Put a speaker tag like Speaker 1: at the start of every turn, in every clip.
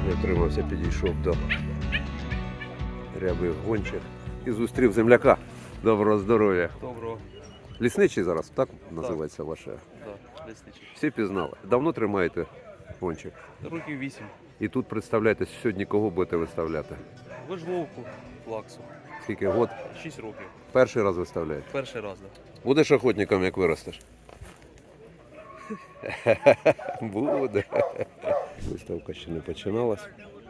Speaker 1: Не втримався, підійшов до рябих гончих і зустрів земляка. Доброго здоров'я.
Speaker 2: Доброго.
Speaker 1: Лісничий зараз, так називається ваше?
Speaker 2: Так, лісничий.
Speaker 1: Всі пізнали. Давно тримаєте гончих?
Speaker 2: Років 8.
Speaker 1: І тут представляєте, сьогодні кого будете виставляти?
Speaker 2: Вижловку, лаксу.
Speaker 1: Скільки год?
Speaker 2: 6 років.
Speaker 1: Перший раз виставляєте?
Speaker 2: Перший раз, так.
Speaker 1: Будеш охотником, як виростеш? Буде. Виставка ще не починалась.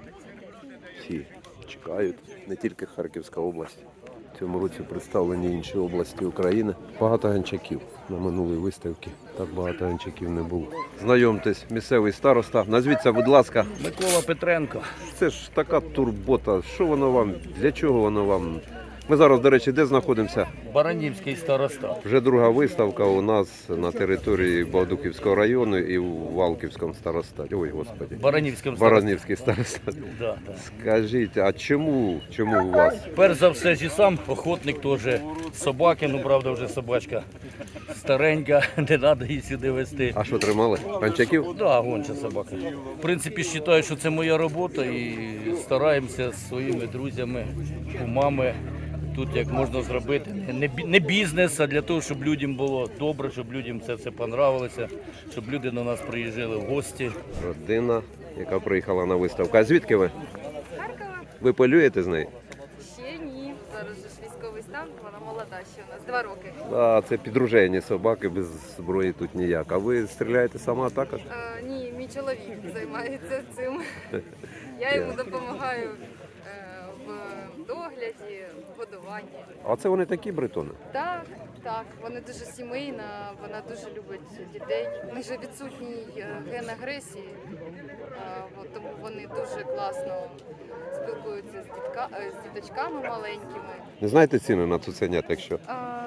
Speaker 1: Всі чекають, не тільки Харківська область. В цьому році представлені інші області України. Багато ганчаків на минулій виставці. Так багато ганчаків не було. Знайомтесь, місцевий староста. Назвіться, будь ласка.
Speaker 3: Микола Петренко.
Speaker 1: Це ж така турбота. Що воно вам? Для чого воно вам? Ми зараз, до речі, де знаходимося?
Speaker 3: Баранівський староста.
Speaker 1: Вже друга виставка у нас на території Богодухівського району і у Валківському старостаті. Ой, Господи. Баранівський старостат.
Speaker 3: Да.
Speaker 1: Скажіть, а чому у вас?
Speaker 3: Перш за все, зі сам охотник теж собаки, ну правда вже собачка старенька, не треба її сюди везти.
Speaker 1: А що, тримали? Панчаків?
Speaker 3: Да, гонча собака. В принципі, вважаю, що це моя робота і стараємося з своїми друзями, кумами тут як можна зробити. Не бізнес, а для того, щоб людям було добре, щоб людям це понравилося, щоб люди до нас приїжджали в гості.
Speaker 1: Родина, яка приїхала на виставку. А звідки ви?
Speaker 4: Харкова?
Speaker 1: Ви полюєте з нею?
Speaker 4: Ще ні. Зараз же ж військовий стан, вона молода ще у нас, 2 роки.
Speaker 1: А, це підружені собаки, без зброї тут ніяк. А ви стріляєте сама також?
Speaker 4: Ні, мій чоловік займається цим. Я йому допомагаю в догляді, в годуванні.
Speaker 1: А це вони такі бретони?
Speaker 4: Так, вони дуже сімейна, вона дуже любить дітей. У них же відсутній ген агресії, тому вони дуже класно спілкуються з діточками маленькими.
Speaker 1: Не знаєте ціни на цуценят, якщо?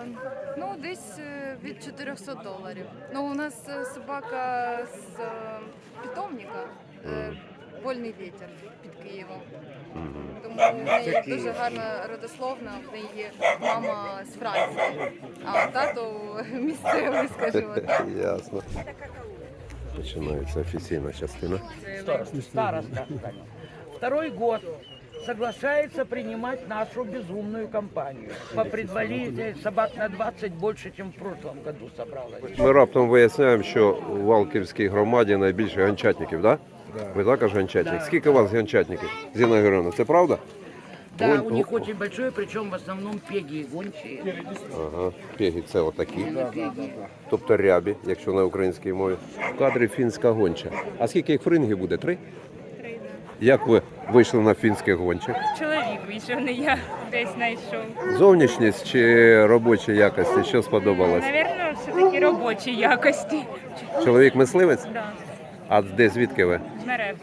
Speaker 4: Десь від $400. Ну, у нас собака з питомника, вольний вітер під Києвом. Тому в неї дуже гарна родословна, в неї є мама з Франції, а тато місцевий, скажімо так.
Speaker 1: Ясно. Починається офіційна частина.
Speaker 5: Староста. Второй год соглашается принимать нашу безумную компанию. По предварительной собак на 20 больше, чем в прошлом году собралось.
Speaker 1: Ми раптом виясняємо, що у Валківській громаді найбільше гончатників, так? Да? Ви також гончатник? Скільки у вас гончатників, Зіна Георгіївна, це правда?
Speaker 5: Да, у них очень большое, причем в основном пеги и гончие.
Speaker 1: Ага, пеги це отакі. Тобто рябі, якщо на українській мові. В кадрі фінська гонча. А скільки їх фрингів буде? 3?
Speaker 6: 3, да.
Speaker 1: Як ви вийшли на фінських гончих?
Speaker 6: Чоловік вийшов, не я десь знайшов.
Speaker 1: Зовнішність чи робочі якості? Що сподобалось?
Speaker 6: Навірно, все-таки робочі якості.
Speaker 1: Чоловік мисливець?
Speaker 6: Да.
Speaker 1: А де, звідки ви?
Speaker 6: З Мерефи.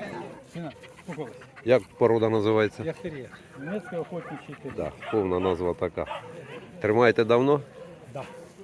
Speaker 1: Як порода називається?
Speaker 7: Яхтер'єр. Німецький охотничий тип.
Speaker 1: Да, повна назва така. Тримаєте давно?
Speaker 7: Да.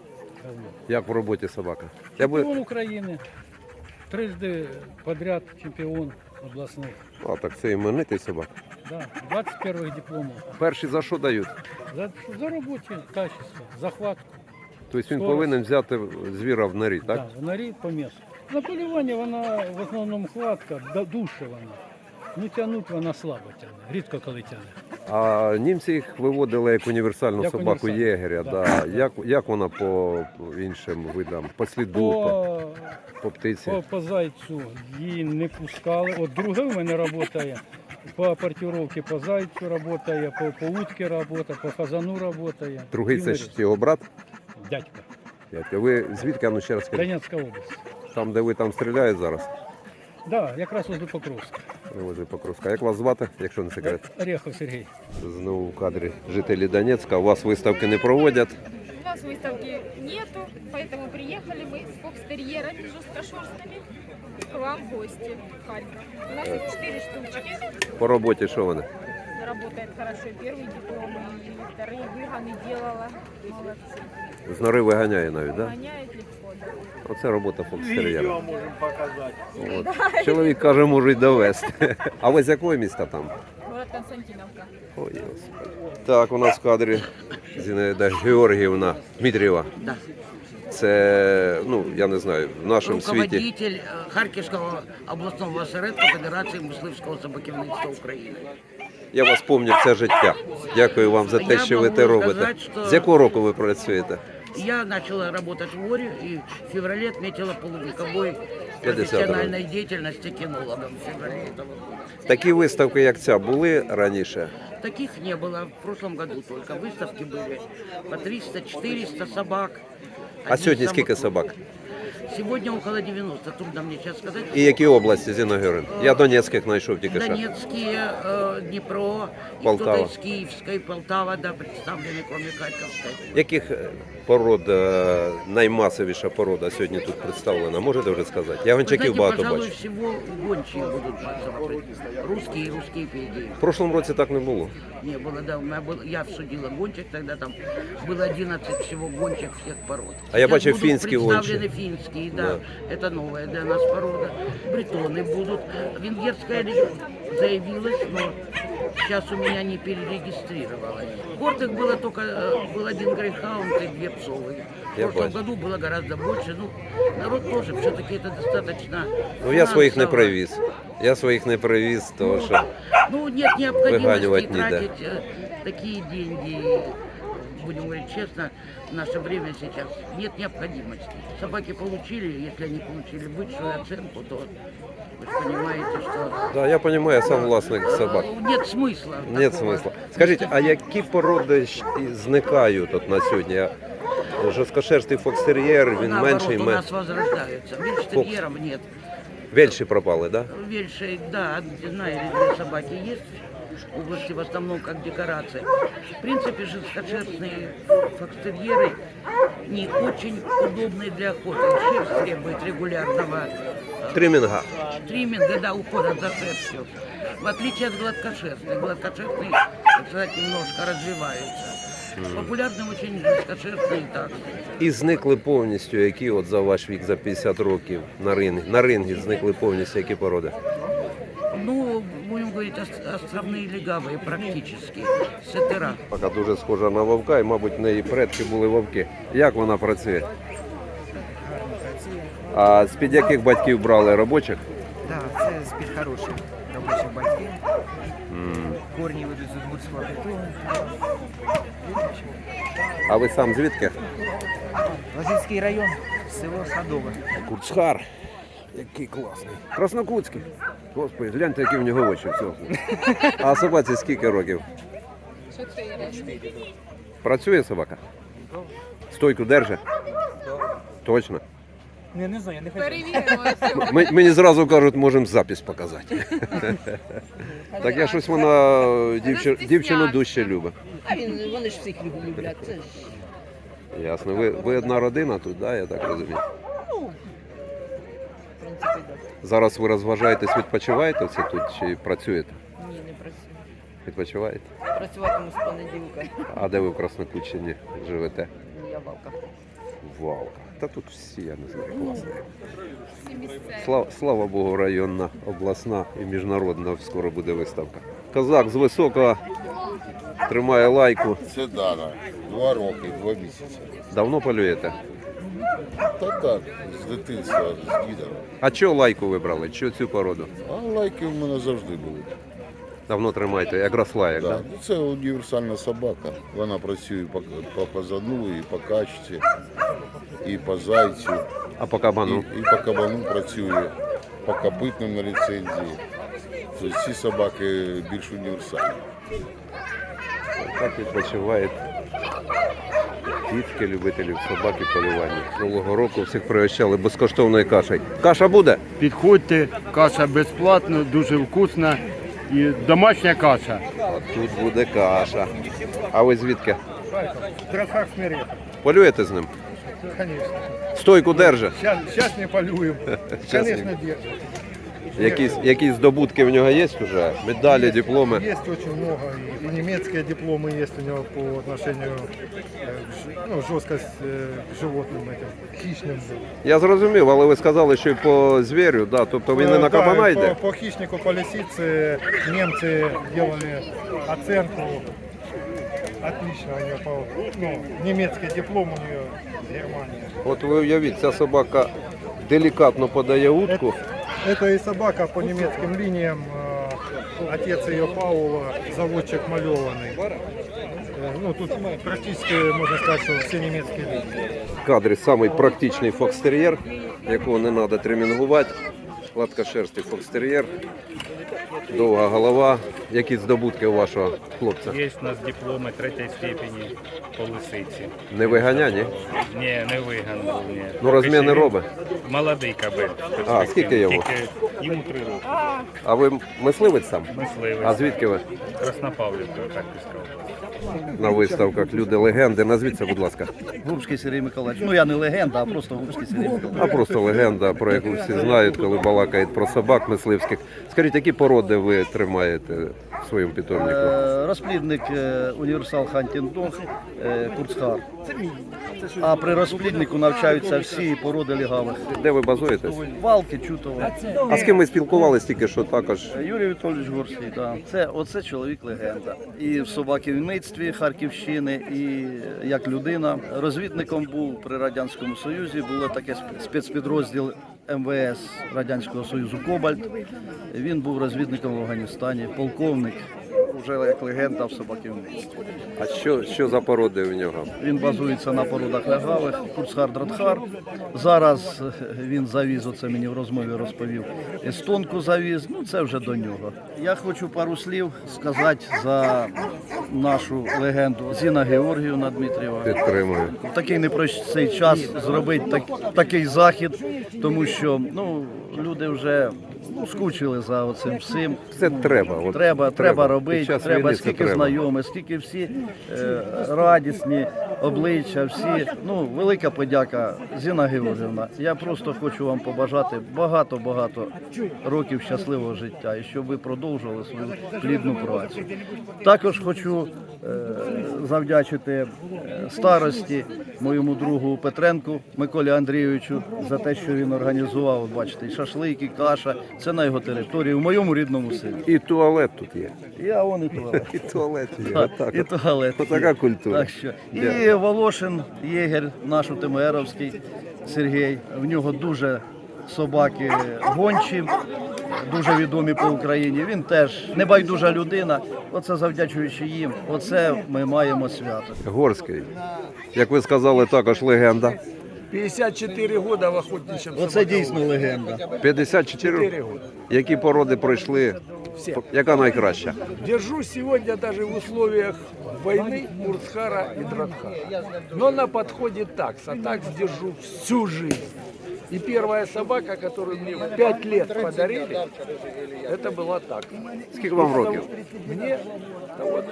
Speaker 1: Як в роботі собака?
Speaker 7: Чемпіон України. Трижди подряд чемпіон обласних.
Speaker 1: А, так це іменитий собак.
Speaker 7: Да. 21 дипломів.
Speaker 1: Перші за що дають?
Speaker 7: За робоче качество, захватку.
Speaker 1: Тобто він
Speaker 7: Скорость.
Speaker 1: повинен взяти звіра в норі, так?
Speaker 7: Да, в норі по місцю. На полюванні вона в основному хватка, душе вона. Ну тягнуть вона слабо тягне, рідко коли тягне.
Speaker 1: А німці їх виводили як універсальну
Speaker 7: Як
Speaker 1: собаку
Speaker 7: універсальну,
Speaker 1: єгеря.
Speaker 7: да.
Speaker 1: Да. Як вона по іншим видам? По сліду, по птиці?
Speaker 7: По зайцю її не пускали. От друга в мене працює. По портировке по зайцю працює, по утці працює, по фазану працює.
Speaker 1: Другий це ж його брат?
Speaker 7: Дядька.
Speaker 1: Дядька. Ви звідки? А ну ще раз скажіть.
Speaker 7: Донецька область.
Speaker 1: Там, де ви там стріляєте зараз?
Speaker 7: Так, да, якраз возле Покровська.
Speaker 1: Возле Покровська. Як вас звати, якщо не секрет?
Speaker 7: Орехов Сергій.
Speaker 1: Знову в кадрі жителі Донецька. У вас виставки не проводять.
Speaker 8: У нас выставки нету, поэтому приехали мы с фокстерьерами жесткошерстными к вам в гости в Харьков. У нас их 4 штучки.
Speaker 1: По роботі що вони?
Speaker 8: Работает хорошо. Первый диплом и вторые выгоны делала. Молодцы.
Speaker 1: З нори виганяє навіть, так? Да?
Speaker 8: Гоняет легко, да.
Speaker 1: Оце робота фокстер'єра. От. Чоловік каже, можуть довести. А ви з якого міста там?
Speaker 8: Город Константиновка.
Speaker 1: Ой, Господи. Так, у нас в кадрі Зінаїда Георгіївна Дмитрієва.
Speaker 3: Да.
Speaker 1: це, ну, я не знаю, в нашому світі.
Speaker 5: Руководитель Харківського обласного осередку Федерації мисливського собаківництва України.
Speaker 1: Я вас пам'ятаю все життя. Дякую вам за те,
Speaker 5: Я
Speaker 1: що ви
Speaker 5: можу
Speaker 1: те робите.
Speaker 5: сказати, що-
Speaker 1: З якого року ви працюєте?
Speaker 5: Я начала работать в ОРе и в феврале отметила полувековой
Speaker 1: 50-й.
Speaker 5: профессиональной деятельности кинологом в феврале этого года.
Speaker 1: Такі виставки, як ця, були раніше?
Speaker 5: Таких не было в прошлом году только. Выставки были по 300-400 собак.
Speaker 1: А
Speaker 5: Одни
Speaker 1: сьогодні
Speaker 5: из
Speaker 1: скільки
Speaker 5: самых-
Speaker 1: собак?
Speaker 5: Сегодня около 90, трудно мне сейчас сказать.
Speaker 1: І які області, Зіна Георгіївна? Я Донецьких знайшов тільки що.
Speaker 5: Донецкие, Днепро, и
Speaker 1: Полтава.
Speaker 5: кто-то из Киевской, Полтава, да, представлены, кроме Харьковской.
Speaker 1: Яких пород наймасовіша порода сьогодні тут представлена? Можете вже сказати? Я
Speaker 5: Вы
Speaker 1: гончаків
Speaker 5: знаете,
Speaker 1: багато
Speaker 5: пожалуй,
Speaker 1: бачу.
Speaker 5: всего гончие будут смотреть. Русские и русские пеги.
Speaker 1: В прошлому році так не було.
Speaker 5: Не было, да, у меня был, я всудила гончих, тогда там было 11 всего гончих всех пород.
Speaker 1: А я
Speaker 5: Сейчас
Speaker 1: бачив
Speaker 5: будут
Speaker 1: финские
Speaker 5: представлены
Speaker 1: гончие.
Speaker 5: финские, да, это новая для нас порода. Бретоны будут. Венгерская заявилась, но сейчас у меня не перерегистрировалась. Гордых было только, был один грейхаунд и 2 псовые. В
Speaker 1: Я
Speaker 5: прошлом
Speaker 1: бачу.
Speaker 5: году было гораздо больше. Ну, народ тоже, все-таки это достаточно.
Speaker 1: Ну я своїх не
Speaker 5: финансово.
Speaker 1: привіз. Я своїх не привіз, тому що
Speaker 5: Ну, нет необходимости
Speaker 1: Выганивать не
Speaker 5: тратить такие деньги, будем говорить честно, в наше время сейчас нет необходимости. Собаки получили, если они получили высшую оценку, то вы же понимаете, что
Speaker 1: да, я розумію, я сам власник собак.
Speaker 5: нет смысла.
Speaker 1: Нет
Speaker 5: такого.
Speaker 1: смисла. Скажіть, а які породи зникають от на сьогодні? Жорсткошерстий фокстер'єр, він
Speaker 5: Наоборот,
Speaker 1: менший,
Speaker 5: у нас возрождаются. Вельштерьеров нет.
Speaker 1: Вельші пропали, так? Да?
Speaker 5: Вельши, да, одна или 2 собаки есть. В области в основном как декорация. В принципе, жесткошерстные фокстерьеры не очень удобные для охоты. Шерсть требует регулярного
Speaker 1: Тримінга.
Speaker 5: тримминга, да, ухода за шерстью. В отличие от гладкошерстных. Гладкошерстные, так сказать, немножко развиваются. Популярны очень жесткошерстные таксы.
Speaker 1: І зникли повністю, які от за ваш вік, за 50 років на рингі. На рингі зникли повністю які породи?
Speaker 5: Ну, будем говорить, островные легавые практически. Сетера.
Speaker 1: Пока дуже схожа на вовка, і, мабуть, в неї предки були вовки. Як вона працює? А з-під яких батьків брали робочих?
Speaker 9: Так, це з-під хороших робочих батьків. Корні ведуть з Удмуртського притулу.
Speaker 1: А ви сам звідки?
Speaker 9: Лазівський район, село Садове.
Speaker 1: Куцхар. Який класний. Краснокутський. Господи, гляньте, які в нього очі в цього. А собаці скільки років?
Speaker 8: 4.
Speaker 1: Працює собака? Стойку держить? Точно?
Speaker 9: Не знаю, я не хочу.
Speaker 8: Перевіримо все.
Speaker 1: Мені зразу кажуть, можемо запис показати. Так я щось вона дівчину дужче любить.
Speaker 10: А вони ж всіх люблять. Це ж
Speaker 1: Ясно. Ви одна родина тут, да, я так розумію?
Speaker 10: в принципі так.
Speaker 1: Зараз ви розважаєтесь, відпочиваєте це тут чи працюєте?
Speaker 10: Ні, не працюю.
Speaker 1: Відпочиваєте?
Speaker 10: Працюватиму з понеділка.
Speaker 1: А де ви в Краснокутщині живете?
Speaker 10: Я валка.
Speaker 1: Валка. Та тут всі, я не знаю, класні.
Speaker 8: Всі місцеві.
Speaker 1: Слава Богу, районна, обласна і міжнародна скоро буде виставка. Козак з високого тримає лайку.
Speaker 11: Це Дана. 2 роки, 2 місяці.
Speaker 1: Давно полюєте?
Speaker 11: Та так, з дитинства, з дідом.
Speaker 1: А чого лайку вибрали? Чого цю породу?
Speaker 11: А лайки в мене завжди були.
Speaker 1: Давно тримаєте, як росла, як,
Speaker 11: Да.
Speaker 1: да?
Speaker 11: Це універсальна собака. Вона працює по казану, і по качці, і по зайцю,
Speaker 1: А по кабану?
Speaker 11: і по кабану працює, по копитним на ліцензії. Тобто ці собаки більш універсальні.
Speaker 1: Так відпочивають дітки, любителів собаки полювання. Нового року всіх пригощали безкоштовною кашею. Каша буде?
Speaker 12: Підходьте, каша безплатна, дуже вкусна і домашня каша.
Speaker 1: Тут буде каша. А ви звідки?
Speaker 7: Красак смирет,
Speaker 1: Полюєте з ним?
Speaker 7: конечно.
Speaker 1: Стойку держи.
Speaker 7: Сейчас не полюем.
Speaker 1: Щас
Speaker 7: Конечно,
Speaker 1: не.
Speaker 7: держит.
Speaker 1: Якісь здобутки в нього є вже? Медалі, дипломи?
Speaker 7: Есть очень много. И немецкие дипломы есть у него по отношению жесткость к животным, этим, хищным.
Speaker 1: Я зрозумів, але ви сказали, що і по звірю, да? Тобто він не на кабана йде?
Speaker 7: По хищнику, по лисице немцы делали оценку Отлично у нее, немецкий диплом у нее с Германии.
Speaker 1: От ви уявіть, ця собака делікатно подає утку.
Speaker 7: Это и собака по немецким линиям. Отец ее Паула, заводчик малеванный. Ну, тут практически можно сказать, что все немецкие линии.
Speaker 1: В кадрі самий практичний фокстер'єр, якого не треба тремінгувати. Гладкошерстий фокстер'єр, довга голова. Які здобутки у вашого хлопця?
Speaker 7: Є у нас дипломи 3-ї степені по лисиці.
Speaker 1: Не виганя, ні?
Speaker 7: Ні, не виган. Ні.
Speaker 1: Ну розмір не робить.
Speaker 7: Молодий кабель.
Speaker 1: А, скільки йому?
Speaker 7: Йому 3 роки.
Speaker 1: А ви мисливець сам?
Speaker 7: Мисливець.
Speaker 1: А звідки ви?
Speaker 7: Краснопавлівка, Харківська область.
Speaker 1: На виставках люди легенди. Назвіться, будь ласка.
Speaker 3: Гурбський Сергій Миколаївич. Ну я не легенда, а просто Гурбський Сергій Миколаївич.
Speaker 1: А просто легенда, про яку всі знають, коли балакають про собак мисливських. Скажіть, які породи ви тримаєте в своєму питомнику?
Speaker 3: Розплідник універсал Хантінг-Дог, Курцхар. А при розпліднику навчаються всі породи лігавих.
Speaker 1: Де ви базуєтесь?
Speaker 3: Валки, Чутова.
Speaker 1: А з ким ми спілкувалися тільки що також?
Speaker 3: Юрій Віталійович Горський, да. Оце чоловік-легенда. І в собаківництві Харківщини, і як людина. Розвідником був при Радянському Союзі, було таке спецпідрозділ МВС Радянського Союзу «Кобальт». Він був розвідником в Афганістані, полковник, вже як легенда в собаківництві.
Speaker 1: А що за породи в нього?
Speaker 3: Він базується на породах лягавих, Курцхар-Дратхар. Зараз він завіз, оце мені в розмові розповів, естонку завіз, ну це вже до нього. Я хочу пару слів сказати за нашу легенду Зіна Георгіївна Дмитрієва.
Speaker 1: Підтримую.
Speaker 3: В такий непростий час зробити такий захід, тому що люди вже скучили за оцим всім.
Speaker 1: Це треба. От
Speaker 3: Треба робити,
Speaker 1: Під час
Speaker 3: треба
Speaker 1: війни це
Speaker 3: скільки
Speaker 1: треба.
Speaker 3: знайомих, скільки всі радісні обличчя, всі. Велика подяка, Зіна Георгіївна. Я просто хочу вам побажати багато-багато років щасливого життя і щоб ви продовжували свою плідну працю. Також хочу завдячити старості моєму другу Петренку Миколі Андрійовичу за те, що він організував, бачите, і шашлики, каша. Це на його території, в моєму рідному селі.
Speaker 1: І туалет тут є.
Speaker 3: І туалет.
Speaker 1: І туалет є.
Speaker 3: Так,
Speaker 1: Отак.
Speaker 3: і туалет.
Speaker 1: Отака культура.
Speaker 3: Так що. І Волошин, єгер, наш ТМРовський Сергій. В нього дуже собаки гончі, дуже відомі по Україні. Він теж небайдужа людина. Оце завдячуючи їм, оце ми маємо свято.
Speaker 1: Горський. Як ви сказали, також легенда.
Speaker 7: 54 года в охотничьем
Speaker 3: Оце дійсно легенда.
Speaker 1: 54? Які породи пройшли? Яка найкраща?
Speaker 7: Держу сегодня даже в условиях войны Курцхара и Дратхара. Но на подходе такс, а такс держу всю жизнь. И первая собака, которую мне в 5 лет подарили, это была такс.
Speaker 1: Скільки вам років?
Speaker 7: Мне вот,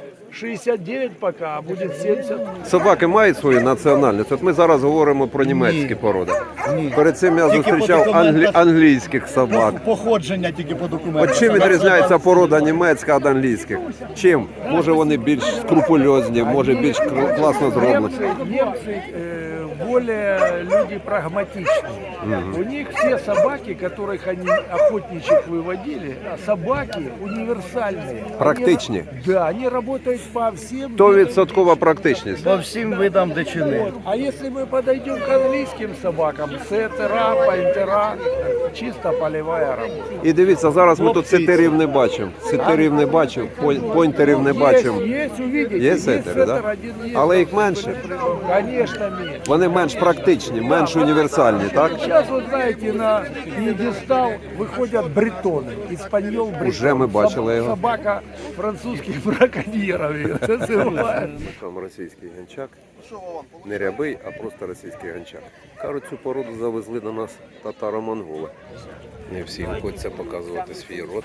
Speaker 7: 69 пока, а будет 70.
Speaker 1: Собаки мають свою національність. От ми зараз говоримо про німецькі породи. Перед цим я зустрічав англійських собак.
Speaker 3: Походження тільки по документам.
Speaker 1: От чим відрізняється порода німецька від англійських? Чим? Може вони більш скрупульозні, може більш класно зроблені.
Speaker 7: Немцы более люди прагматичные. У них все собаки, которых они охотничьих выводили, собаки универсальные.
Speaker 1: Практичні.
Speaker 7: Да, они работают по всем.
Speaker 1: 100% практичність.
Speaker 3: По всім видам дичини.
Speaker 7: Вот. А если мы подойдем к английским собакам, сеттера, пойнтера, чисто полевая работа.
Speaker 1: І дивіться, зараз ми тут сетерів не бачимо. Сетерів не бачимо, пойнтерів не бачимо.
Speaker 7: Есть, увидите.
Speaker 1: Є сетери,
Speaker 7: сеттер,
Speaker 1: да?
Speaker 7: один есть.
Speaker 1: Але їх менше.
Speaker 7: Конечно, меньше.
Speaker 1: Вони менш практичні, менш універсальні, так?
Speaker 7: Сейчас, вот знаете, на пьедестал выходят бретоны, испаньол бретон.
Speaker 1: Уже ми бачили його.
Speaker 7: Собака французских браконьеров ее называют.
Speaker 1: Там російський гончак. Не рябий, а просто російський гончак. Кажуть, цю породу завезли до нас татаро-монголи. Не всі хочеться показувати свій род.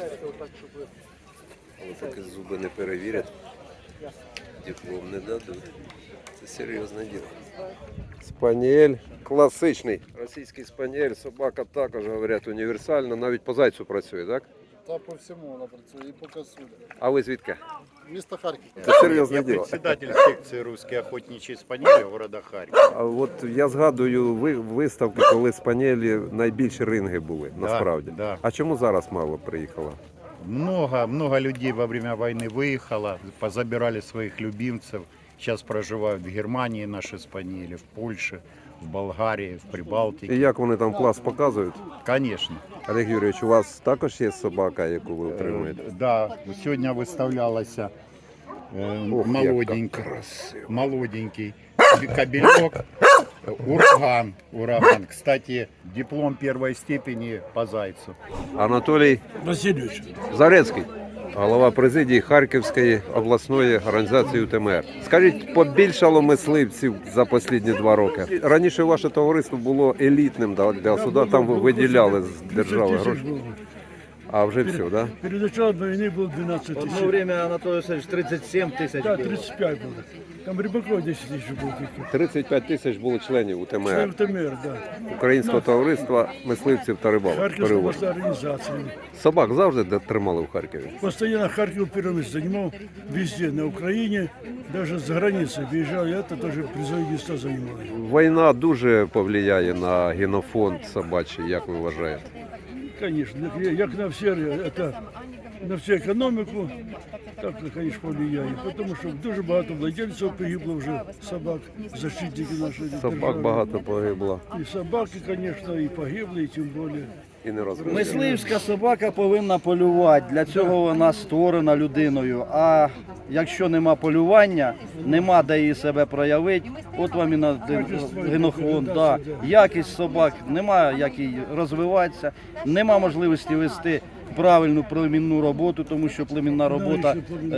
Speaker 1: Але таки зуби не перевірять. Диплом не дадуть. Це серйозне діло. Спаніель класичний. Російський спаніель, собака також, говорять, універсальна. Навіть по зайцю працює, так?
Speaker 11: Та по всьому вона працює, і по косулі.
Speaker 1: А ви звідки?
Speaker 11: Місто Харків.
Speaker 1: Це серйозне діло.
Speaker 13: Председатель секции «Русские охотничьи спаниели» города Харькова.
Speaker 1: А от я згадую виставки, коли спаніелі найбільші ринги були, насправді.
Speaker 13: Да.
Speaker 1: А чому зараз мало приїхало?
Speaker 13: Много людей во время войны выехало, позабирали своих любимцев. Сейчас проживают в Германии наши спаниели, в Польше, в Болгарии, в Прибалтике.
Speaker 1: І як вони там клас показують?
Speaker 13: Конечно.
Speaker 1: Олег Юрійович, у вас також є собака, яку ви утримуєте?
Speaker 13: Да, сегодня выставлялся
Speaker 1: Ох,
Speaker 13: молоденький,
Speaker 1: яка красива.
Speaker 13: молоденький кобелек, ураган. Кстати, диплом первой степени по зайцу.
Speaker 1: Анатолій
Speaker 7: Васильевич.
Speaker 1: Зарецький, голова президії Харківської обласної організації УТМР. Скажіть, побільшало мисливців за останні 2 роки? Раніше ваше товариство було елітним для суда, там ви виділяли з держави гроші. А вже все, да?
Speaker 7: Перед началом войны было 12 тысяч.
Speaker 2: Одно время, Анатолий Васильевич, 37 тысяч
Speaker 7: Да,
Speaker 2: было.
Speaker 7: 35 было. Там Рыбаков 10 тысяч было таких.
Speaker 1: 35 тисяч було членів УТМР,
Speaker 7: УТМР, да.
Speaker 1: Українського товариства мисливців та рибалок.
Speaker 7: Харьковская
Speaker 1: Перевод.
Speaker 7: областная организация.
Speaker 1: Собак завжди тримали в Харкові?
Speaker 7: Постоянно Харьков первое место занимал везде, на Украине, даже за границей выезжал, я это тоже призовые места занимал.
Speaker 1: Війна дуже повлияє на генофонд собачий, як ви вважаєте?
Speaker 7: Конечно, як на все, это, на всю економіку, так, конечно, повлияє. Тому що дуже багато владельців погибло вже собак, защитники нашої
Speaker 1: Собак
Speaker 7: держави.
Speaker 1: багато погибло
Speaker 7: І собаки, конечно, і погибли, і тим більше.
Speaker 1: і не розуміють.
Speaker 2: Мисливська собака повинна полювати. Для цього вона створена людиною. А якщо нема полювання, нема де її себе проявити, от вам і на генофонд. Да. Якість собак, нема як їй розвиватися, нема можливості вести правильну племінну роботу, тому що племінна робота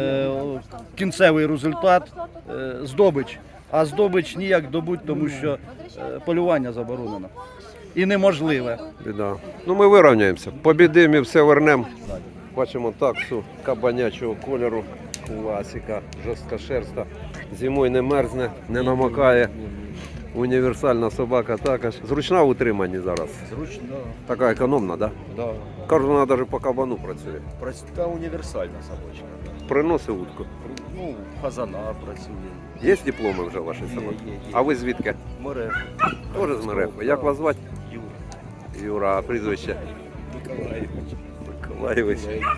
Speaker 2: кінцевий результат здобич. А здобич ніяк добуть, тому що полювання заборонено. І неможливе.
Speaker 1: Біда. Ну ми вирівняємося. Побідимо і все вернемо. Бачимо таксу кабанячого кольору, класика, жорстка шерста. Зимою не мерзне, не намокає. Універсальна собака також. Зручна в утриманні зараз.
Speaker 2: Зручно,
Speaker 1: Така економна, так?
Speaker 2: да.
Speaker 1: Кажуть, вона навіть по кабану працює.
Speaker 2: Та універсальна собачка.
Speaker 1: Приносить утку.
Speaker 2: Ну, фазана працює.
Speaker 1: Є дипломи вже ваші собаки? А ви звідки?
Speaker 2: Море.
Speaker 1: Теж з Мерефи. Як вас звати?
Speaker 2: Юра.
Speaker 1: Юра, а прізвище?
Speaker 2: Миколаївич.
Speaker 1: Миколаївич.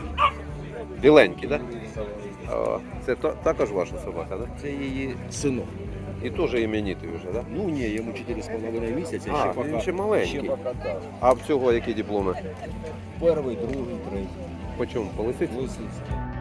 Speaker 1: Біленький, так? Да? Це також ваша собака, так? Да?
Speaker 2: Це її синок.
Speaker 1: І теж іменитий вже, так? Да?
Speaker 2: Ну ні, йому 4,5 місяці.
Speaker 1: А, він ще маленький.
Speaker 2: Ще поки, да.
Speaker 1: А всього які дипломи?
Speaker 2: Перший, другий, третій.
Speaker 1: По чому? По лисиці?
Speaker 2: Лисиця.